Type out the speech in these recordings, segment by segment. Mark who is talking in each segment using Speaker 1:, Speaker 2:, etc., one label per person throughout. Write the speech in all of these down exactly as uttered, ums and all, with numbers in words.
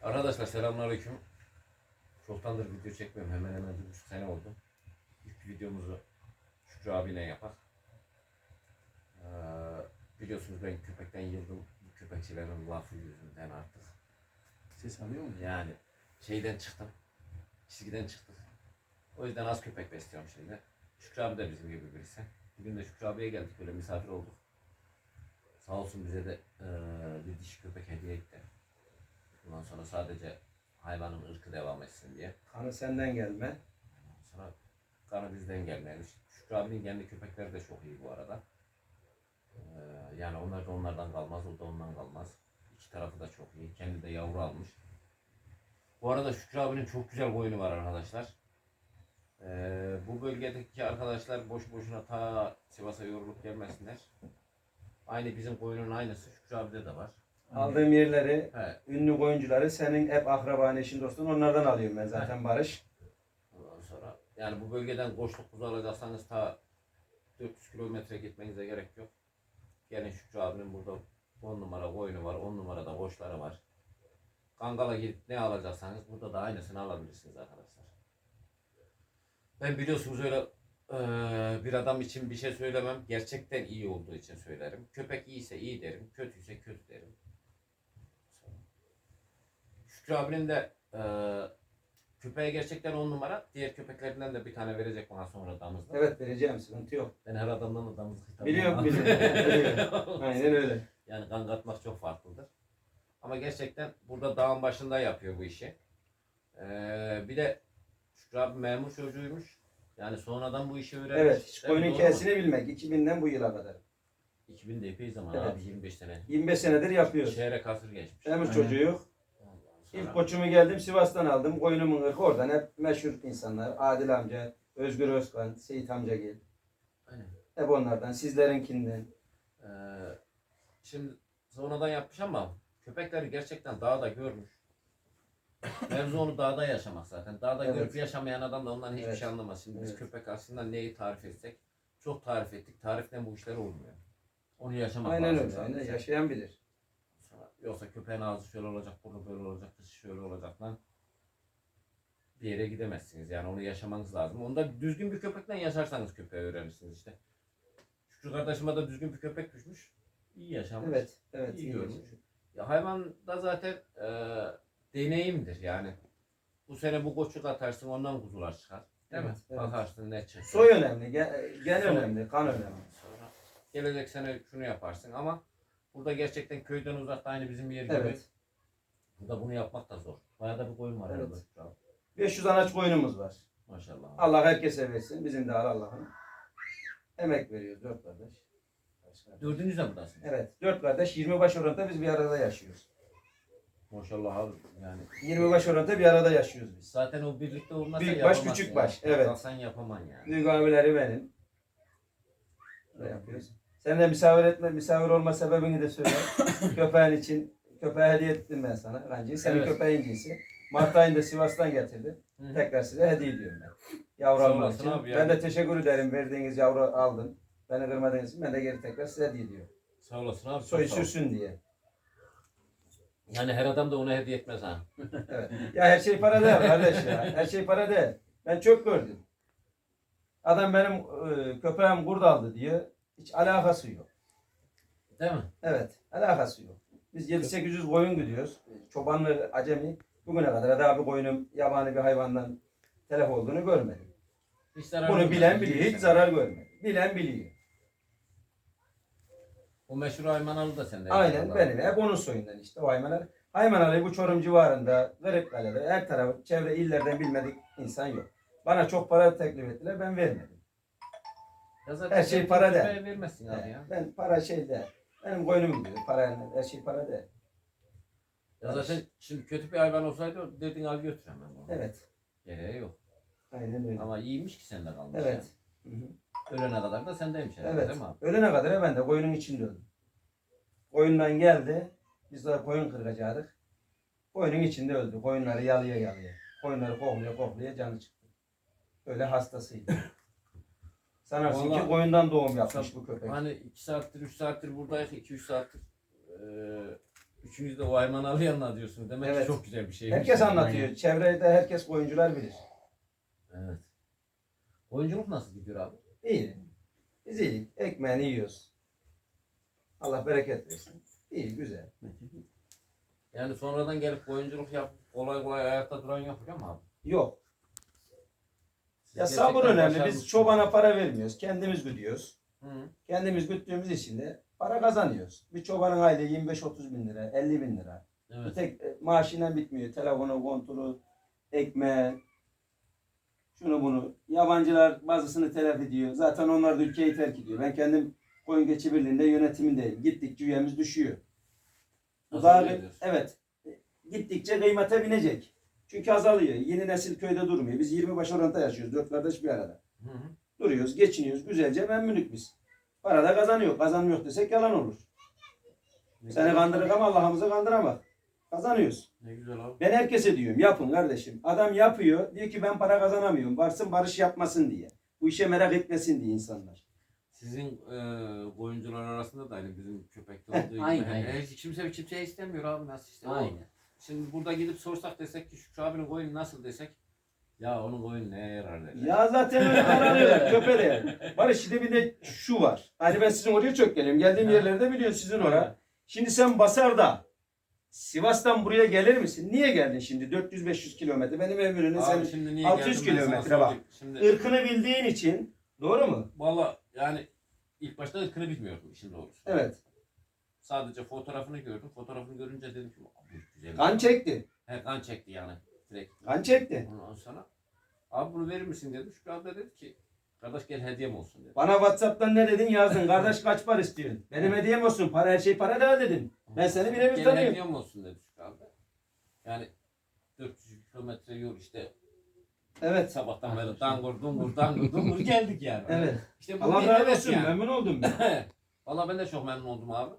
Speaker 1: Arkadaşlar selamünaleyküm. Çoktandır video çekmiyorum. Hemen hemen bir buçuk sene oldu. İlk videomuzu Şükrü abiyle yapak. Ee, biliyorsunuz ben köpekten yıldım. Bu köpekçilerin lafı yüzünden artık.
Speaker 2: Ses alıyor mu?
Speaker 1: Yani şeyden çıktım. Çizgiden çıktık. O yüzden az köpek besliyorum şimdi. Şükrü abi de bizim gibi birisi. Bugün de Şükrü abiye geldik. Böyle misafir olduk. Sağ olsun bize de e, bir dişi köpek hediye etti. Bundan sonra sadece hayvanın ırkı devam etsin diye.
Speaker 2: Kanı senden gelme.
Speaker 1: Sonra kanı bizden gelmemiş. Şükrü abinin kendi köpekleri de çok iyi bu arada. Ee, yani onlar da onlardan kalmaz, o da ondan kalmaz. İki tarafı da çok iyi. Kendi de yavru almış. Bu arada Şükrü abinin çok güzel koyunu var arkadaşlar. Ee, bu bölgedeki arkadaşlar boş boşuna ta Sivas'a yorulup gelmesinler. Aynı bizim koyunun aynısı Şükrü abide de var.
Speaker 2: Aldığım yerleri,
Speaker 1: He.
Speaker 2: ünlü oyuncuları senin hep akraban, eşin, dostun onlardan alıyorum ben zaten Barış.
Speaker 1: Ondan sonra yani bu bölgeden koçluk kuzu alacaksanız ta dört yüz kilometre gitmenize gerek yok. Gelin Şükrü abinin burada on numara koyunu var, on numarada koçları var. Kangal'a gidip ne alacaksanız burada da aynısını alabilirsiniz arkadaşlar. Ben biliyorsunuz öyle eee, bir adam için bir şey söylemem. Gerçekten iyi olduğu için söylerim. Köpek iyiyse iyi derim, kötüyse kötü derim. Şükrü abinin de eee köpeğe gerçekten on numara. Diğer köpeklerinden de bir tane verecek bana sonra damızda.
Speaker 2: Evet vereceğim, sıkıntı yok.
Speaker 1: Ben her adamdan da damızlık hitabı
Speaker 2: Biliyorum
Speaker 1: almam.
Speaker 2: biliyorum. biliyorum. Aynen öyle.
Speaker 1: Yani kan katmak çok farklıdır. Ama gerçekten burada dağın başında yapıyor bu işi. Ee, bir de Şükrü abi memur çocuğuymuş. Yani sonradan bu işi öğrenmiş.
Speaker 2: Evet, hiç
Speaker 1: Değil mi?
Speaker 2: koyunun
Speaker 1: Doğru mu?
Speaker 2: hikayesini bilmek. iki binden bu yıla kadar.
Speaker 1: iki bin de epey zaman
Speaker 2: Evet.
Speaker 1: abi, yirmi beş sene.
Speaker 2: yirmi beş senedir yapıyoruz.
Speaker 1: Çeyrek asır geçmiş.
Speaker 2: Memur
Speaker 1: Aynen.
Speaker 2: çocuğu.
Speaker 1: Ondan sonra-
Speaker 2: İlk koçumu geldim Sivas'tan aldım. Koyunumun ırkı oradan hep meşhur insanlar. Adil amca, Özgür Özkan, Seyit amca gel.
Speaker 1: Aynen.
Speaker 2: Hep onlardan, sizlerinkinden.
Speaker 1: Ee, şimdi sonradan yapmış ama köpekleri gerçekten dağda görmüş. Mevzu onu dağda yaşamak zaten. Dağda
Speaker 2: Evet.
Speaker 1: görüp yaşamayan adam da ondan hiçbir
Speaker 2: Evet.
Speaker 1: şey anlamaz. Şimdi biz
Speaker 2: Evet.
Speaker 1: köpek aslında neyi tarif etsek çok tarif ettik. Tariften bu işler olmuyor. Onu yaşamak
Speaker 2: Aynen
Speaker 1: lazım
Speaker 2: öyle.
Speaker 1: sadece.
Speaker 2: Aynen. Yaşayan bilir.
Speaker 1: Sonra- Yoksa köpeğin ağzı şöyle olacak, burnu böyle olacak, dışı şöyle olacak lan. Bir yere gidemezsiniz. Yani onu yaşamanız lazım. Onu da düzgün bir köpekle yaşarsanız köpeği öğrenirsiniz işte. Şükrü kardeşime de düzgün bir köpek düşmüş. İyi yaşamış.
Speaker 2: Evet. Evet.
Speaker 1: İyi
Speaker 2: iyi
Speaker 1: görmüş.
Speaker 2: yaşıyor.
Speaker 1: Ya hayvan da zaten e, deneyimdir yani. Bu sene bu koçuk atarsın ondan kuzular çıkar. Değil
Speaker 2: Evet,
Speaker 1: mi?
Speaker 2: evet.
Speaker 1: Bakarsın ne çıkar.
Speaker 2: Soy önemli, gen, gen
Speaker 1: Soy.
Speaker 2: önemli, kan önemli.
Speaker 1: Sonra gelecek sene şunu yaparsın ama burada gerçekten köyden uzakta aynı bizim yer gibi.
Speaker 2: Evet.
Speaker 1: Burada bunu yapmak da zor. Bayağı da bir koyun var
Speaker 2: Evet.
Speaker 1: herhalde. Bravo.
Speaker 2: beş yüz anaç koyunumuz var.
Speaker 1: Maşallah.
Speaker 2: Allah herkese versin. Bizim de al Allah'ın. Emek veriyoruz dört kardeş.
Speaker 1: Dördünüz de buradasınız.
Speaker 2: Evet. Dört kardeş yirmi baş oranında biz bir arada yaşıyoruz.
Speaker 1: Maşallah abi yani.
Speaker 2: yirmi baş oranında bir arada yaşıyoruz biz.
Speaker 1: Zaten o birlikte olmazsa
Speaker 2: Büyük baş,
Speaker 1: yapamazsın
Speaker 2: küçük
Speaker 1: ya.
Speaker 2: baş, evet.
Speaker 1: Kalksan yapaman yani.
Speaker 2: Büyük abileri benim. Böyle yapıyoruz. Sen de misafir etme, misafir olma sebebini de söyle. Köpeğin için, köpeğe hediye ettim ben sana. Kancıyı. Senin
Speaker 1: Evet.
Speaker 2: köpeğin cinsi. Mart ayında Sivas'tan getirdim.
Speaker 1: Hı hı.
Speaker 2: Tekrar size hediye ediyorum ben. Yavru
Speaker 1: Sağ
Speaker 2: almak
Speaker 1: olasın
Speaker 2: için.
Speaker 1: abi
Speaker 2: Ben
Speaker 1: yani.
Speaker 2: de teşekkür ederim. Verdiğiniz yavru aldım. Beni kırmadığınız için ben de geri tekrar size hediye ediyorum.
Speaker 1: Sağ olasın abi.
Speaker 2: Soyu
Speaker 1: çok sağ ol.
Speaker 2: sürsün diye.
Speaker 1: Yani her adam da ona hediye etmez ha.
Speaker 2: Evet. Ya her şey para değil kardeş ya. Her şey para değil. Ben çok gördüm. Adam benim e, köpeğim kurt aldı diyor. Hiç alakası yok.
Speaker 1: Değil mi?
Speaker 2: Evet. Alakası yok. Biz yedi sekiz yüz koyun gidiyoruz. Çobanlı acemi. Bugüne kadar daha bir koyunum yabani bir hayvandan telef olduğunu görmedim.
Speaker 1: Hiç zarar
Speaker 2: Bunu
Speaker 1: olmaz.
Speaker 2: bilen biliyor. Hiç
Speaker 1: Sen-
Speaker 2: zarar görmedi. Bilen biliyor.
Speaker 1: O meşhur Aymanalı da sende.
Speaker 2: Aynen
Speaker 1: inşallah.
Speaker 2: benim. Hep onun soyundan işte o Haymanalı. Haymanalı'yı bu Çorum civarında, Kırıkkale'de, her tarafı, çevre illerden bilmedik insan yok. Bana çok para teklif ettiler, ben vermedim.
Speaker 1: Ya zaten
Speaker 2: Her şey
Speaker 1: sen
Speaker 2: para
Speaker 1: köpeğe
Speaker 2: değil.
Speaker 1: vermezsin abi ya.
Speaker 2: Ben para şey değil. Benim koynum gibi. Para, her şey para değil.
Speaker 1: Ya zaten şimdi kötü bir hayvan olsaydı dedin al götür hemen onu.
Speaker 2: Evet.
Speaker 1: Gereği yok.
Speaker 2: Aynen öyle.
Speaker 1: Ama iyiymiş ki sende kalmış.
Speaker 2: Evet. Hı hı.
Speaker 1: Yani. Ölene kadar da sendeymiş herhalde
Speaker 2: Evet.
Speaker 1: değil mi abi?
Speaker 2: Ölene kadar ben de koyunun içinde öldüm. Koyundan geldi. Biz de koyun kıracaktık. Koyunun içinde öldü. Koyunları yalıya yalıya. Koyunları kokluya kokluya canı çıktı. Öyle hastasıydı. Sanarsın
Speaker 1: Vallahi-
Speaker 2: ki koyundan doğum yapmış bu köpek.
Speaker 1: Hani iki saattir üç saattir buradayız. iki üç saattir eee Üçünüz de o Ayman Ali anlatıyorsunuz. Demek
Speaker 2: Evet.
Speaker 1: ki çok güzel bir şey.
Speaker 2: Herkes anlatıyor. Çevrede herkes koyuncular bilir.
Speaker 1: Evet. Oyunculuk nasıl gidiyor abi?
Speaker 2: İyi. Biz iyi. Ekmeğini yiyoruz. Allah bereket versin. İyi, güzel.
Speaker 1: Yani sonradan gelip oyunculuk yap, kolay kolay ayakta duran yok ama abi.
Speaker 2: Yok.
Speaker 1: Siz
Speaker 2: Ya sabır
Speaker 1: gerçekten
Speaker 2: önemli. Biz
Speaker 1: başarılısınız.
Speaker 2: çobana para vermiyoruz. Kendimiz güdüyoruz.
Speaker 1: Hı.
Speaker 2: Kendimiz güttüğümüz için de para kazanıyoruz. Bir çobanın aylığı yirmi beş otuz bin lira, elli bin lira. Bir
Speaker 1: Evet.
Speaker 2: tek e, maaşıyla bitmiyor. Telefonu, konturu, ekmeği, şunu bunu. Yabancılar bazısını telef ediyor. Zaten onlar da ülkeyi terk ediyor. Ben kendim Koyun Keçi Birliği'nde yönetimindeyim. Gittikçe üyemiz düşüyor. Bu daha,
Speaker 1: Azalıyor diyorsun.
Speaker 2: evet. Gittikçe kıymete binecek. Çünkü azalıyor. Yeni nesil köyde durmuyor. Biz yirmi baş oranda yaşıyoruz. Dört kardeş bir arada.
Speaker 1: Hı hı.
Speaker 2: Duruyoruz, geçiniyoruz. Güzelce memnunuk biz. Para da kazanıyor. Kazanmıyor desek yalan olur.
Speaker 1: Ne
Speaker 2: Seni
Speaker 1: güzel.
Speaker 2: kandırır ama Allah'ımızı kandıramaz. Kazanıyoruz.
Speaker 1: Ne güzel abi.
Speaker 2: Ben herkese diyorum yapın kardeşim. Adam yapıyor. Diyor ki ben para kazanamıyorum. Varsın barış yapmasın diye. Bu işe merak etmesin diye insanlar.
Speaker 1: Sizin e, oyuncular arasında da aynı bizim köpekte olduğu gibi.
Speaker 3: Aynen,
Speaker 1: Hani
Speaker 3: aynen.
Speaker 1: Hiç kimse kimseye istemiyor abi nasıl işte. O-
Speaker 3: Aynen.
Speaker 1: Şimdi burada gidip sorsak desek ki Şükrü abinin koyunu nasıl desek. Ya onun koyunu neye yarar derler.
Speaker 2: Ya zaten öyle aranıyorlar. Köpe de. Barış şimdi bir de şu var. Hani ben sizin oraya çok geliyorum. Geldiğim
Speaker 1: Ha.
Speaker 2: yerlerde biliyorsun sizin oraya. Şimdi sen Basar'da Sivas'tan buraya gelir misin? Niye geldin şimdi? dört yüz beş yüz kilometre. Benim ömrünün
Speaker 1: Abi
Speaker 2: senin
Speaker 1: şimdi niye
Speaker 2: altı yüz
Speaker 1: geldim ben sana
Speaker 2: kilometre bak.
Speaker 1: söyleyeyim. Şimdi
Speaker 2: ırkını bildiğin için. Doğru mu?
Speaker 1: valla yani ilk başta ırkını bilmiyordum işin doğrusu.
Speaker 2: Evet.
Speaker 1: Sadece fotoğrafını gördüm. Fotoğrafını görünce dedim ki bu güzel.
Speaker 2: Kan çekti.
Speaker 1: He, kan çekti yani. Direkt.
Speaker 2: Kan çekti.
Speaker 1: Ondan sonra abi bunu verir misin dedim. Şükrü abi de dedi ki kardeş gel hediyem olsun dedi.
Speaker 2: Bana WhatsApp'tan ne dedin yazdın. Kardeş kaç para istiyorsun? Benim hediyem olsun. Para her şey para da dedim. Ben seni birebir
Speaker 1: Gel
Speaker 2: tanıyorum.
Speaker 1: hediyem olsun dedi Şükrü abi de. Yani dört yüz kilometre yol işte
Speaker 2: Evet.
Speaker 1: sabahtan beri dangur dungur dangur dungur geldik yani.
Speaker 2: Evet.
Speaker 1: İşte bu
Speaker 2: Allah
Speaker 1: bir
Speaker 2: razı
Speaker 1: heves
Speaker 2: olsun.
Speaker 1: yani.
Speaker 2: Memnun oldum ben.
Speaker 1: Valla ben de çok memnun oldum abi.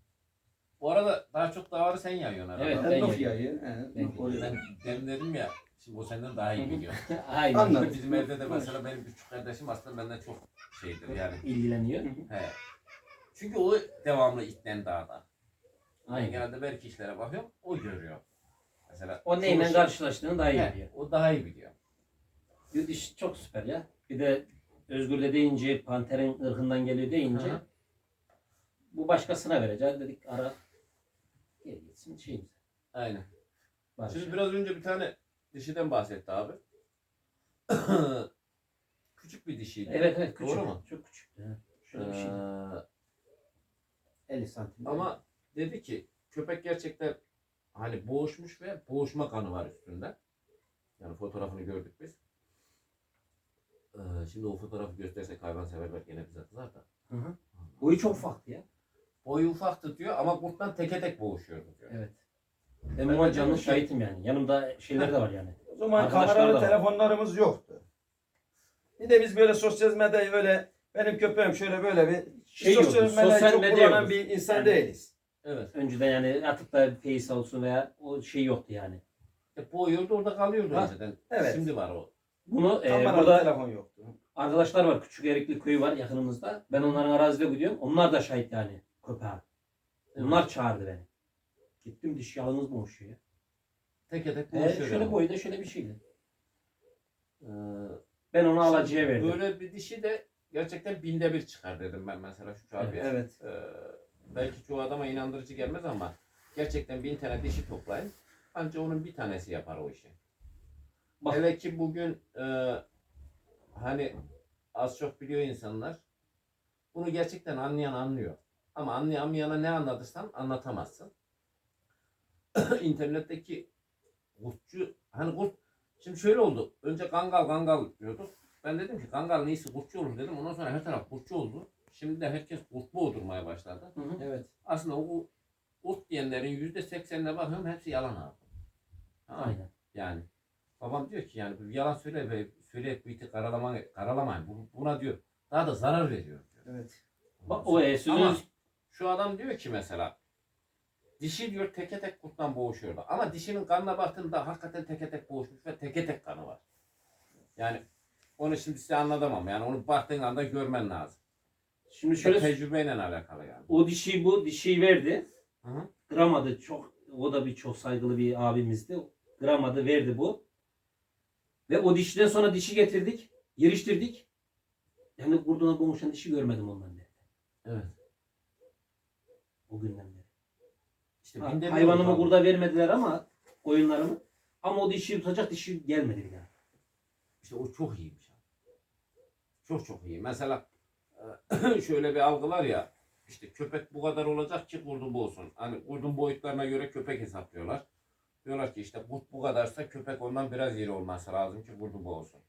Speaker 1: Bu arada daha çok davarı sen yayıyorsun herhalde.
Speaker 3: Evet,
Speaker 2: Ben
Speaker 3: ben
Speaker 2: Nof
Speaker 3: yedim.
Speaker 2: yayı.
Speaker 3: Ben
Speaker 2: He, koyuyorum.
Speaker 1: Ben demin dedim ya, şimdi o senden daha iyi biliyor.
Speaker 3: Aynen.
Speaker 2: Anladım.
Speaker 1: Bizim evde de mesela benim küçük kardeşim aslında benden çok şeydir yani.
Speaker 3: İlgileniyor.
Speaker 1: He. Çünkü o devamlı itten dağda. Ben
Speaker 3: Aynen.
Speaker 1: genelde belki işlere bakıyorum, o görüyor. Mesela
Speaker 3: O neyle
Speaker 1: çoğu-
Speaker 3: karşılaştığını daha iyi
Speaker 1: He,
Speaker 3: biliyor.
Speaker 1: o daha iyi biliyor.
Speaker 3: Bir iş çok süper ya. Bir de Özgür'le deyince, Panter'in ırkından geliyor deyince
Speaker 1: Hı hı.
Speaker 3: bu başkasına vereceğiz dedik ara gel gitsin şeyimiz.
Speaker 1: Aynen.
Speaker 3: Barış.
Speaker 1: Şimdi biraz önce bir tane dişiden bahsetti abi. Küçük bir dişiydi.
Speaker 3: Evet evet küçük.
Speaker 1: Doğru mu?
Speaker 3: Çok küçüktü. ha. Şöyle bir şey.
Speaker 1: Ee,
Speaker 3: elli santim.
Speaker 1: Ama dedi ki köpek gerçekten hani boğuşmuş ve boğuşma kanı var üstünde. Yani fotoğrafını gördük biz. Ee, şimdi o fotoğrafı göstersek hayvanseverler gene bize kızar da.
Speaker 3: Hı hı. Boyu çok ufaktı ya.
Speaker 1: Boyu ufaktı diyor ama kurttan teke tek boğuşuyordu diyor.
Speaker 3: Evet. Ben
Speaker 1: Ben
Speaker 3: buna
Speaker 1: de
Speaker 3: canlı
Speaker 1: diyorum ki-
Speaker 3: şahitim yani. Yanımda şeyler de var yani.
Speaker 2: O zaman
Speaker 3: Arkadaşlar
Speaker 2: kameralı
Speaker 3: da var.
Speaker 2: telefonlarımız yoktu. Bir de biz böyle sosyal medyayı öyle benim köpeğim şöyle böyle bir
Speaker 3: Şey
Speaker 2: sosyal
Speaker 3: yoktu,
Speaker 2: medyayı
Speaker 3: sosyal
Speaker 2: çok
Speaker 3: medya
Speaker 2: kullanan
Speaker 3: yoktu.
Speaker 2: bir insan
Speaker 3: Yani-
Speaker 2: değiliz.
Speaker 1: Evet.
Speaker 3: Önceden yani atıp da face olsun veya o şey yoktu yani.
Speaker 1: E, boğuyordu orada kalıyordu
Speaker 2: Ha,
Speaker 1: önceden.
Speaker 2: evet.
Speaker 1: Şimdi var o.
Speaker 3: Bunu e,
Speaker 2: Kameralı
Speaker 3: burada
Speaker 2: telefon yoktu.
Speaker 3: arkadaşlar var. Küçük Erikli köyü var yakınımızda. Ben onların arazide gidiyorum. Onlar da şahit yani köpeğe. Onlar çağırdı beni. Gittim diş yalnız boğuşuyor ya.
Speaker 1: Teke tek
Speaker 3: E,
Speaker 1: boğuşuyor.
Speaker 3: şöyle
Speaker 1: yani.
Speaker 3: boyda şöyle bir şeydi.
Speaker 1: Ee,
Speaker 3: Ben onu
Speaker 1: şimdi
Speaker 3: alıcıya verdim.
Speaker 1: Böyle bir dişi de gerçekten binde bir çıkar dedim ben mesela şu abi.
Speaker 2: Evet.
Speaker 1: Ee, belki çoğu adama inandırıcı gelmez ama gerçekten bin tane dişi toplayın. Ancak onun bir tanesi yapar o işi.
Speaker 3: Bak.
Speaker 1: Hele ki bugün e, hani az çok biliyor insanlar. Bunu gerçekten anlayan anlıyor. Ama anlayamayana ne anlatırsan anlatamazsın. İnternetteki kurtçu, hani kurt, şimdi şöyle oldu. Önce kangal kangal diyorduk. Ben dedim ki kangal neyse kurtçu olur dedim. Ondan sonra her taraf kurtçu oldu. Şimdi de herkes kurt boğdurmaya başladı.
Speaker 3: Hı hı.
Speaker 2: Evet.
Speaker 1: Aslında o kurt diyenlerin yüzde seksenine bakıyorum hepsi yalan abi. Tamam mı?
Speaker 3: Aynen.
Speaker 1: Yani babam diyor ki yani bu yalan söyle ve söyleyip bu iti karalamayın, karalamayın. Bu, buna diyor daha da zarar veriyor diyor.
Speaker 2: Evet.
Speaker 3: Bak o e, sözünüz
Speaker 1: Ama şu adam diyor ki mesela dişi diyor teke tek kurttan boğuşuyordu. Ama dişinin kanına baktığında hakikaten teke tek boğuşmuş ve teke tek kanı var. Yani onu şimdi size anlatamam. Yani onu baktığın anda görmen lazım.
Speaker 3: şimdi
Speaker 1: Şöyle
Speaker 3: şöyle
Speaker 1: tecrübeyle alakalı yani.
Speaker 3: o dişi bu dişiyi verdi.
Speaker 1: Hı hı.
Speaker 3: Gramadı çok, o da bir çok saygılı bir abimizdi. Gramadı verdi bu. Ve o dişiden sonra dişi getirdik. Yeriştirdik. Yani kurduna boğuşan dişi görmedim ondan beri.
Speaker 1: Evet.
Speaker 3: O günden beri.
Speaker 1: İşte
Speaker 3: Ha,
Speaker 1: binde bir
Speaker 3: hayvanımı
Speaker 1: oldu abi.
Speaker 3: burada vermediler ama koyunlarımı. Ama o dişi tutacak dişi gelmedi bir daha.
Speaker 1: İşte o çok iyiymiş abi. Çok çok iyi. Mesela e, şöyle bir algı var ya, işte köpek bu kadar olacak ki kurdun bu olsun. Hani kurdun boyutlarına göre köpek hesaplıyorlar. Diyorlar ki işte kurt bu kadarsa köpek ondan biraz iri olması lazım ki kurdun bu olsun.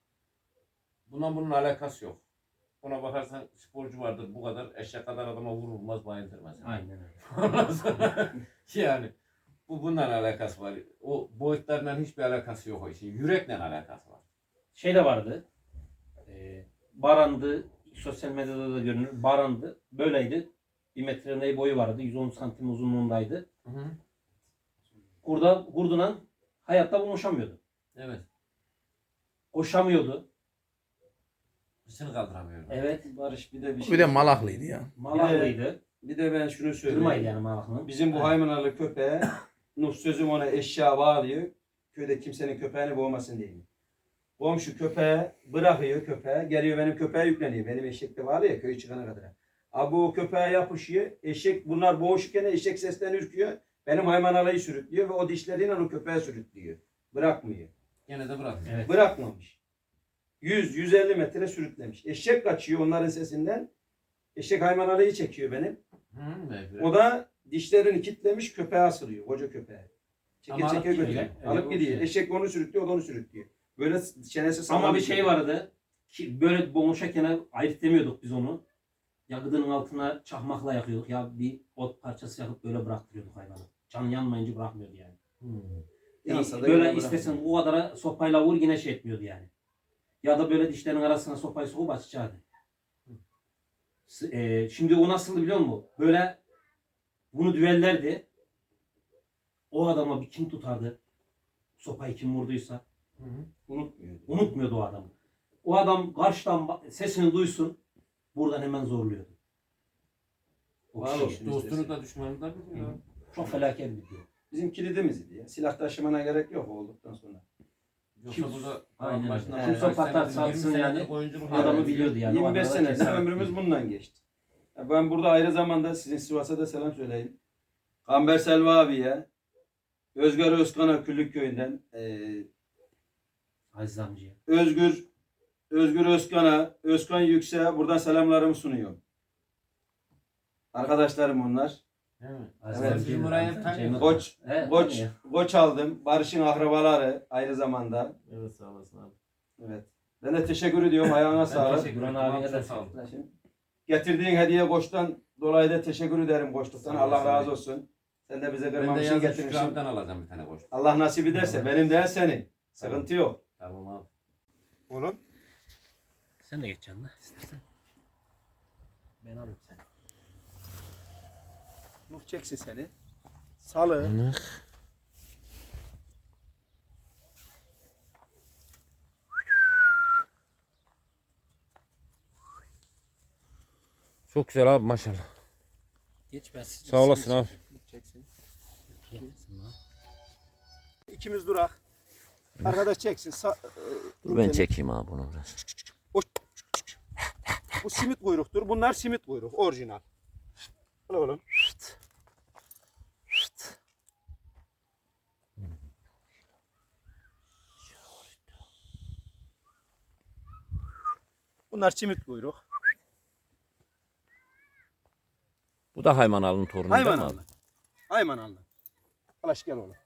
Speaker 1: Buna bunun alakası yok. Buna bakarsan sporcu vardır bu kadar eşek kadar adama vurulmaz bayıldır mesela.
Speaker 3: Aynen öyle.
Speaker 1: Ondan sonra yani bu bundan alakası var. O boyutlarla hiçbir alakası yok o işin. Yürekle alakası var.
Speaker 3: Şey de vardı. E, barandı. Sosyal medyada da görünür. Barandı. Böyleydi. Bir metre ne boyu vardı. yüz on santim uzunluğundaydı.
Speaker 1: Hı hı.
Speaker 3: Kurda, kurduna hayatta buluşamıyordu.
Speaker 1: Evet.
Speaker 3: Koşamıyordu.
Speaker 1: Hırsını kaldıramıyorum.
Speaker 3: Evet.
Speaker 2: Barış bir de bir şey.
Speaker 4: Bir de malaklıydı ya.
Speaker 3: Malaklıydı.
Speaker 2: Bir de ben şunu
Speaker 3: Kırmaydı
Speaker 2: söyleyeyim.
Speaker 3: yani malaklının.
Speaker 2: Bizim bu Haymanalı köpeğe Nuh sözüm ona eşya bağlıyor. Köyde kimsenin köpeğini boğmasın diye. Komşu köpeğe bırakıyor köpeğe. Geliyor benim köpeğe yükleniyor. Benim eşek de var ya köy çıkana kadar. Abi o köpeğe yapışıyor. Eşek bunlar boğuşurken eşek sesten ürküyor. Benim Haymanalı'yı sürüklüyor ve o dişleriyle o köpeğe sürüklüyor. Bırakmıyor.
Speaker 1: Gene de bırakmıyor.
Speaker 3: Evet.
Speaker 2: Bırakmamış. yüz yüz elli metre sürüklemiş. Eşek kaçıyor onların sesinden. Eşek Haymanalı'yı çekiyor benim.
Speaker 1: Hı, mecbur.
Speaker 2: O da dişlerini kitlemiş köpeğe asılıyor. Koca köpeğe. Çeke
Speaker 3: Ama
Speaker 2: çeke
Speaker 3: alıp gidiyor
Speaker 2: götürüyor.
Speaker 3: ya, öyle
Speaker 2: Alıp
Speaker 3: bir
Speaker 2: gidiyor.
Speaker 3: şey.
Speaker 2: Eşek onu sürüklüyor, o da onu sürüklüyor. Böyle çenesi sağlam.
Speaker 3: Ama bir şey vardı. Ki böyle boğuşarken ayırt demiyorduk biz onu. Ya gıdının altına çakmakla yakıyorduk ya bir ot parçası yakıp böyle bıraktırıyorduk hayvanı. Can yanmayınca bırakmıyordu yani.
Speaker 1: Hı.
Speaker 2: Yansa da
Speaker 3: böyle
Speaker 2: yine
Speaker 3: istesen
Speaker 2: bırakmıyor.
Speaker 3: o kadar sopayla vur yine şey etmiyordu yani. Ya da böyle dişlerin arasına sopayı sokup açacaktı. S- e, şimdi o nasıldı biliyor musun? Böyle bunu düellerdi. O adama bir kim tutardı? Sopayı kim vurduysa.
Speaker 1: Hı hı.
Speaker 2: Unutmuyor.
Speaker 3: Unutmuyordu o adamı. O adam karşıdan ba- sesini duysun. Buradan hemen zorluyordu. O
Speaker 2: Var
Speaker 3: kişiyi.
Speaker 2: olsun.
Speaker 1: Dostunu da düşmanını da biliyor.
Speaker 3: Çok felaket bir diyor.
Speaker 2: Bizim kilidimiz idi ya. Silah taşımana gerek yok o olduktan sonra.
Speaker 1: Yoksa
Speaker 3: Kim-
Speaker 1: burada
Speaker 3: Aynen.
Speaker 1: başına
Speaker 2: Kimse
Speaker 1: kaç
Speaker 3: patlar
Speaker 1: senedir,
Speaker 3: satsın
Speaker 1: yirmi
Speaker 3: yani.
Speaker 1: senedir oyunculuk
Speaker 3: Adamı
Speaker 1: yapıyor.
Speaker 3: biliyordu yani. O
Speaker 2: yirmi beş
Speaker 3: adama
Speaker 2: senedir
Speaker 3: kesin
Speaker 2: ömrümüz
Speaker 3: biliyordu.
Speaker 2: bundan geçti. Ya ben burada ayrı zamanda sizin Sivas'a da selam söyleyeyim. Kamber Selva abiye, Özgür Özkan'a Küllük köyünden, eee
Speaker 3: Aziz amcaya.
Speaker 2: Özgür Özgür Özkan'a, Özkan Yüksek'e buradan selamlarımı sunuyorum. Arkadaşlarım onlar.
Speaker 1: Değil mi?
Speaker 3: Aziz
Speaker 2: Evet.
Speaker 3: amcayı
Speaker 1: Bizim
Speaker 3: da-
Speaker 1: burayı tanıyor.
Speaker 2: Koç,
Speaker 3: Evet,
Speaker 2: Koç,
Speaker 3: tanıyor.
Speaker 2: Koç aldım. Barış'ın akrabaları aynı zamanda.
Speaker 1: Evet sağ olasın abi.
Speaker 2: Evet. Ben de teşekkür ediyorum. Ayağına
Speaker 1: Ben
Speaker 2: sağlık.
Speaker 1: teşekkür
Speaker 3: Duran
Speaker 1: ederim.
Speaker 3: abiye
Speaker 1: Abi,
Speaker 3: de
Speaker 1: çok sağ olun.
Speaker 2: Getirdiğin hediye Koç'tan dolayı da teşekkür ederim Koç'tan.
Speaker 1: Sağ
Speaker 2: Allah
Speaker 1: olasın.
Speaker 2: razı olsun. Sen de bize
Speaker 1: Ben de
Speaker 2: kırmamışsın
Speaker 1: yazın Şükrü
Speaker 2: getirmişsin.
Speaker 1: abiden alacağım bir tane koç.
Speaker 2: Allah nasip ederse benim değil senin. Sıkıntı yok.
Speaker 1: Tamam abi.
Speaker 2: Oğlum.
Speaker 3: Sen de geç canına istersen. Ben alayım seni.
Speaker 2: Nuh çeksin seni. Salı.
Speaker 1: Çok güzel abi maşallah.
Speaker 3: Geç ben
Speaker 1: Sağ olasın abi.
Speaker 2: Çeksin.
Speaker 3: Çeksin lan.
Speaker 2: İkimiz durak. Arkadaş çeksin. Sa-
Speaker 1: Dur ben çekeyim abi bunu biraz.
Speaker 2: Bu simit kuyruktur. Bunlar simit kuyruk. Orijinal. Al oğlum. Bunlar simit kuyruk.
Speaker 1: Bu da Haymanalı'nın torunu değil mi
Speaker 2: Hayman
Speaker 1: abi?
Speaker 2: alın. Hayman alın. Alaş gel oğlum.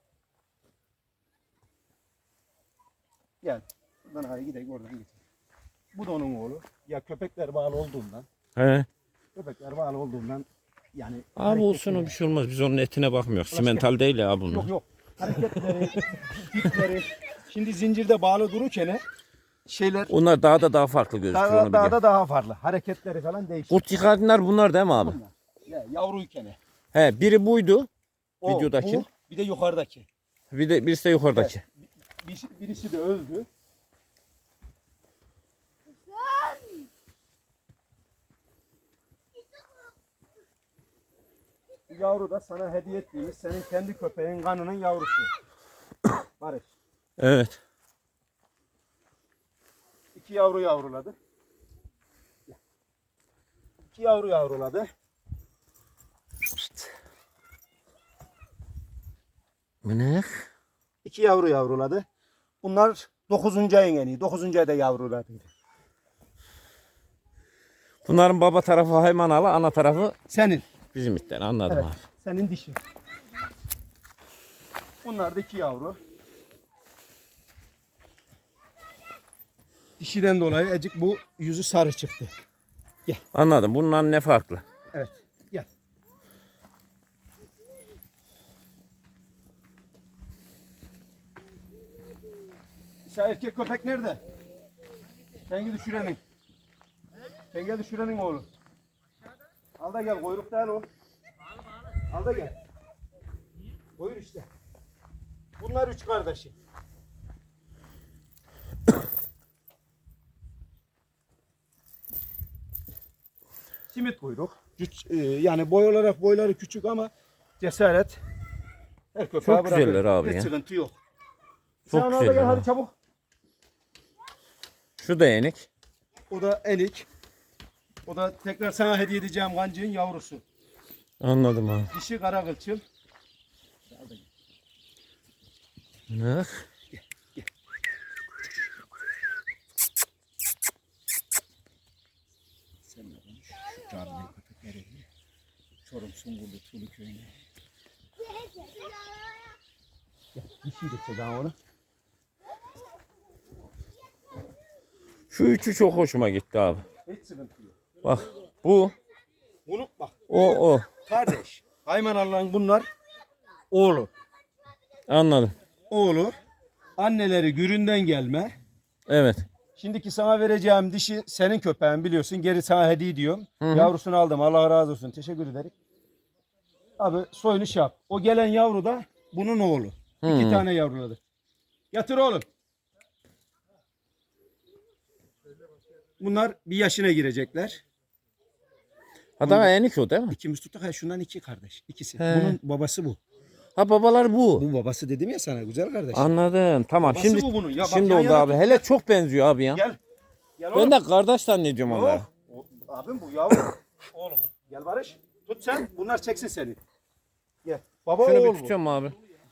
Speaker 2: Gel. Buradan hadi gidelim oradan git. Bu da onun oğlu. Ya köpekler bağlı olduğundan.
Speaker 1: He.
Speaker 2: Köpekler bağlı olduğundan yani.
Speaker 1: Abi olsun o
Speaker 2: hareketleri-
Speaker 1: bir şey olmaz. Biz onun etine bakmıyoruz. Simental değil ya bunlar.
Speaker 2: Yok yok. Hareketleri, tipleri. Şimdi zincirde bağlı dururken şeyler
Speaker 1: Onlar daha da daha farklı gözüküyor
Speaker 2: daha,
Speaker 1: onu
Speaker 2: daha
Speaker 1: biliyorum.
Speaker 2: da daha farklı. Hareketleri falan değişiyor.
Speaker 1: Kurt yıkadınlar bunlar değil mi abi?
Speaker 2: Bunlar. Ya, yavruyken.
Speaker 1: He biri buydu.
Speaker 2: O,
Speaker 1: Videodaki.
Speaker 2: bu, bir de yukarıdaki.
Speaker 1: Bir de birisi de yukarıdaki.
Speaker 2: Birisi, birisi de öldü. Bu yavru da sana hediye ettiğimiz senin kendi köpeğin kanının yavrusu. Barış.
Speaker 1: Evet.
Speaker 2: İki yavru yavruladı. İki yavru yavruladı.
Speaker 1: Mınak.
Speaker 2: İki yavru yavruladı. Bunlar dokuzuncu ayın en iyi. dokuzuncu ayda yavruladı.
Speaker 1: Bunların baba tarafı Haymanalı, ana tarafı
Speaker 2: Senin.
Speaker 1: bizim itten, anladım
Speaker 2: Evet.
Speaker 1: abi.
Speaker 2: Senin dişi. Bunlar da iki yavru. Dişiden dolayı ecik bu yüzü sarı çıktı.
Speaker 1: Anladım. Bundan ne farklı?
Speaker 2: Evet. Gel. Şu erkek köpek nerede? Tengi düşürenin. Tengi düşürenin oğlu. Al da gel. Kuyruk değil o. Al da gel. Buyur işte. Bunlar üç kardeşi. Simit kuyruk. Güç, e, yani boy olarak boyları küçük ama cesaret. Her köpeğe
Speaker 1: Çok
Speaker 2: bırakır.
Speaker 1: güzeller abi
Speaker 2: Hiç
Speaker 1: ya.
Speaker 2: sıkıntı yok.
Speaker 1: Çok
Speaker 2: Sen al da
Speaker 1: güzeller
Speaker 2: gel
Speaker 1: abi.
Speaker 2: hadi çabuk.
Speaker 1: Şu da yenik.
Speaker 2: O da elik. O da tekrar sana hediye edeceğim kancığın yavrusu.
Speaker 1: Anladım abi.
Speaker 2: Dişi kara kılçıl.
Speaker 1: Mınak.
Speaker 2: Sen de konuş. Şu canlı köpekleri. Çorum Sungurlu Tulu köyüne. Gel, dişi de çek ha onu.
Speaker 1: Şu üçü çok hoşuma gitti abi.
Speaker 2: Hiç sıkıntı yok.
Speaker 1: Bak bu,
Speaker 2: Bunu bak.
Speaker 1: o, o.
Speaker 2: Kardeş. Hayman Allah'ın bunlar oğlu.
Speaker 1: Anladım.
Speaker 2: Oğlu. Anneleri Gürün'den gelme.
Speaker 1: Evet.
Speaker 2: Şimdiki sana vereceğim dişi senin köpeğin biliyorsun. Geri sana hediye ediyorum.
Speaker 1: Hı hı.
Speaker 2: Yavrusunu aldım. Allah razı olsun. Teşekkür ederim. Abi soyunu şey yap. O gelen yavru da bunun oğlu.
Speaker 1: Hı.
Speaker 2: İki tane yavruladı. Yatır oğlum. Bunlar bir yaşına girecekler.
Speaker 1: Ha daha yenik o değil mi?
Speaker 2: İkimiz tuttuk. Ha şundan iki kardeş. İkisi.
Speaker 1: He.
Speaker 2: Bunun babası bu.
Speaker 1: Ha babalar bu.
Speaker 2: Bu babası dedim ya sana güzel kardeş.
Speaker 1: Anladım. Tamam.
Speaker 2: Babası
Speaker 1: Şimdi
Speaker 2: bu bunun. Ya bak
Speaker 1: şimdi
Speaker 2: yan
Speaker 1: oldu
Speaker 2: yana
Speaker 1: abi.
Speaker 2: tut.
Speaker 1: Hele çok benziyor abi ya.
Speaker 2: Gel. Gel oğlum.
Speaker 1: Ben de kardeş zannediyorum onları.
Speaker 2: Yok. O- Abim bu yavru. Oğlum. Gel Barış. Tut sen. Bunlar çeksin seni. Gel. Baba
Speaker 1: Şunu
Speaker 2: oğul
Speaker 1: bir
Speaker 2: bu.
Speaker 1: tutuyorum abi.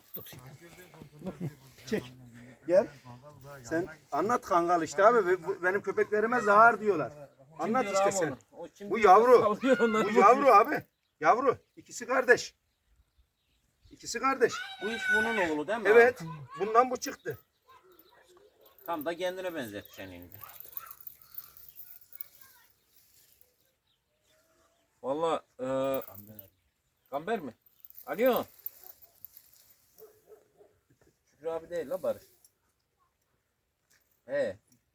Speaker 2: Çek. Gel. Sen anlat kangal işte abi. Ve bu- Benim köpeklerime zahar diyorlar. Anlat işte sen. Bu yavru. Bu yavru abi. Yavru. İkisi kardeş. İkisi kardeş.
Speaker 1: Bu iş bunun oğlu değil mi?
Speaker 2: Evet. Bundan bu çıktı.
Speaker 1: Tam da kendine benzeteceksin şimdi. Valla e, Gamber mi? Alo. Şükrü abi değil la Barış. He.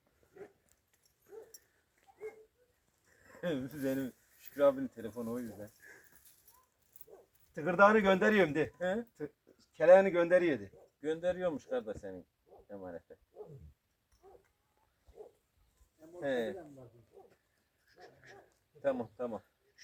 Speaker 1: Benim Şükrü abinin telefonu o yüzden.
Speaker 2: Tıkırdağını gönderiyorum de.
Speaker 1: He?
Speaker 2: Keleğini gönderiyordu.
Speaker 1: Gönderiyormuş kardeş senin emanete. He. Tamam tamam.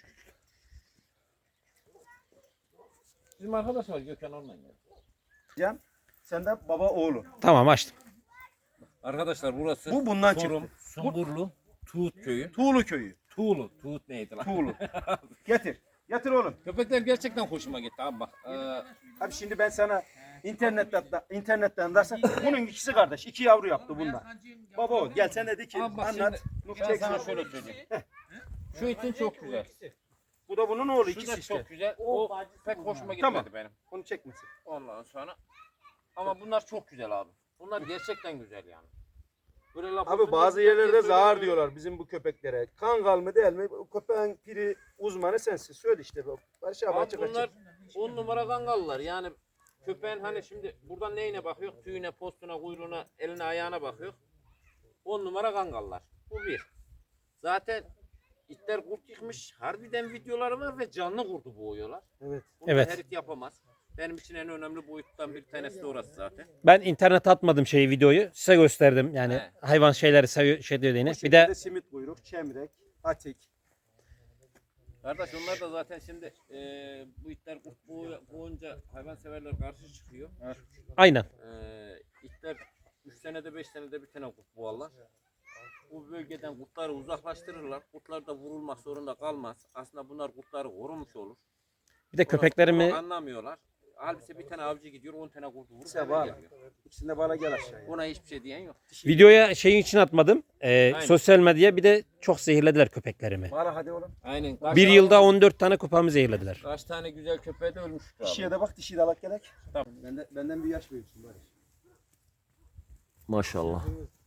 Speaker 1: Bizim arkadaş var Gökhan onunla geldi.
Speaker 2: Can. Sen de baba oğlu.
Speaker 3: Tamam açtım.
Speaker 1: Arkadaşlar burası
Speaker 2: Bu bundan
Speaker 1: Çorum,
Speaker 2: çıktı.
Speaker 1: Sungurlu, Tuğut köyü.
Speaker 2: Tuğlu köyü.
Speaker 1: Tuğlu, Tuğut neydi lan?
Speaker 2: Tuğlu. Getir. Getir oğlum.
Speaker 1: Köpekler gerçekten hoşuma gitti abi bak. Ee,
Speaker 2: Abi şimdi ben sana internetten internetten dersen bunun ikisi kardeş. İki yavru yaptı bunlar. Baba o. Gel sen de de ki
Speaker 1: abi bak
Speaker 2: anlat.
Speaker 1: şimdi
Speaker 2: Nuh
Speaker 1: ben sana
Speaker 2: çeksin.
Speaker 1: şöyle söyleyeyim. Şu itin çok güzel.
Speaker 2: Bu da bunun oğlu
Speaker 1: Şu
Speaker 2: ikisi
Speaker 1: da
Speaker 2: işte.
Speaker 1: çok güzel. O pek hoşuma gitmedi
Speaker 2: Tamam.
Speaker 1: benim.
Speaker 2: Onu çekmesin.
Speaker 1: Ondan sonra. Ama bunlar çok güzel abi. Bunlar gerçekten güzel yani. Böyle laf olsun
Speaker 2: Abi bazı
Speaker 1: diye
Speaker 2: yerlerde
Speaker 1: söylemiyorum.
Speaker 2: zahar diyorlar bizim bu köpeklere. Kangal mı değil mi? O köpeğin piri uzmanı sensin. Söyle işte. Barış abi
Speaker 1: Abi
Speaker 2: açık
Speaker 1: bunlar
Speaker 2: açık.
Speaker 1: on numara kangallar. Yani köpeğin hani şimdi buradan neyine bakıyor? Tüyüne, postuna, kuyruğuna, eline, ayağına bakıyor. On numara kangallar. Bu bir. Zaten itler kurt yıkmış. Harbiden videoları var ve canlı kurdu boğuyorlar.
Speaker 2: Evet.
Speaker 1: Bunu
Speaker 3: Evet.
Speaker 1: her it yapamaz. Benim için en önemli boyuttan bir tanesi de orası zaten.
Speaker 3: Ben internete atmadım şeyi videoyu. Size gösterdim. Yani
Speaker 1: He.
Speaker 3: hayvan şeyleri seviyor şey dediğini.
Speaker 2: Bu
Speaker 3: Bir
Speaker 2: şekilde
Speaker 3: de
Speaker 2: simit kuyruk, çemrek, atik.
Speaker 1: Kardeş onlar da zaten şimdi e, bu itler kurt boğu- boğunca hayvanseverler karşı çıkıyor.
Speaker 4: Aynen.
Speaker 1: E, itler üç senede beş senede bir tane kurt boğarlar. Bu bölgeden kurtları uzaklaştırırlar. Kurtlar da vurulmak zorunda kalmaz. Aslında bunlar kurtları korumuş olur.
Speaker 4: Bir de
Speaker 1: Onu
Speaker 4: köpeklerimi
Speaker 1: anlamıyorlar. Halbuki bir tane avcı gidiyor on tane kurdu vurup
Speaker 2: İkisi
Speaker 1: eve
Speaker 2: bağlı.
Speaker 1: geliyor.
Speaker 2: İkisinde bana gel aşağıya.
Speaker 1: Ona hiçbir şey diyen yok.
Speaker 4: videoya şeyin için atmadım. Ee,
Speaker 1: Aynen.
Speaker 4: sosyal medyaya bir de çok zehirlediler köpeklerimi.
Speaker 2: Bana hadi oğlum.
Speaker 1: Aynen. Kaç
Speaker 4: Bir
Speaker 1: tane-
Speaker 4: yılda on dört tane kupamı zehirlediler.
Speaker 1: Kaç tane güzel köpeği de ölmüş. Şükrü abi.
Speaker 2: Dişiye de bak, dişiyi de alak gerek. Tamam. Benden, benden bir yaş büyüksün Barış.
Speaker 1: Maşallah.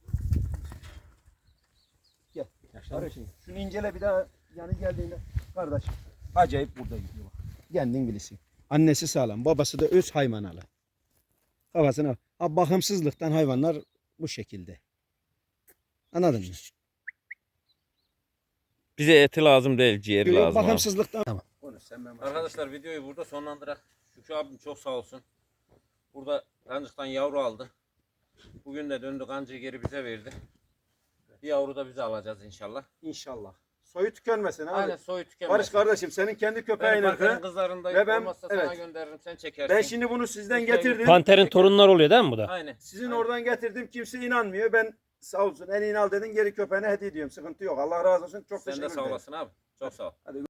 Speaker 2: Gel. Barış, şunu incele bir daha yani geldiğinde. Kardeş acayip burada gidiyor bak. Kendin bilirsin. Annesi sağlam, babası da öz haymanalı. Kafasına ha, bakımsızlıktan hayvanlar bu şekilde. Anladın mı?
Speaker 1: Bize eti lazım değil, ciğeri
Speaker 2: Yok,
Speaker 1: lazım. abi.
Speaker 2: bakımsızlıktan.
Speaker 4: Tamam.
Speaker 2: Konuş sen ben
Speaker 1: Arkadaşlar videoyu burada sonlandırak. Şükrü abim çok sağ olsun. Burada kancıktan yavru aldı. Bugün de döndü kancığı geri bize verdi. Bir yavru da bize alacağız inşallah.
Speaker 2: İnşallah. Soyu tükenmesin abi.
Speaker 1: Aynen soyu tükenmez.
Speaker 2: Barış kardeşim senin kendi
Speaker 1: Ben
Speaker 2: köpeğin
Speaker 1: Panter'in
Speaker 2: ırkı.
Speaker 1: kızlarındayım.
Speaker 2: Ve ben-
Speaker 1: Olmazsa sana
Speaker 2: evet.
Speaker 1: gönderirim, sen çekersin.
Speaker 2: Ben şimdi bunu sizden
Speaker 1: Lütfen.
Speaker 2: getirdim.
Speaker 4: Panter'in torunları oluyor değil mi bu da?
Speaker 1: Aynen.
Speaker 2: Sizin
Speaker 1: Aynen.
Speaker 2: oradan getirdim. Kimse inanmıyor. Ben sağ olsun en iyi al dedin, geri köpeğine hediye ediyorum. Sıkıntı yok. Allah razı olsun. Çok
Speaker 1: Sen
Speaker 2: teşekkür
Speaker 1: de
Speaker 2: ederim.
Speaker 1: sağ olasın abi. Çok sağ ol.
Speaker 2: Hadi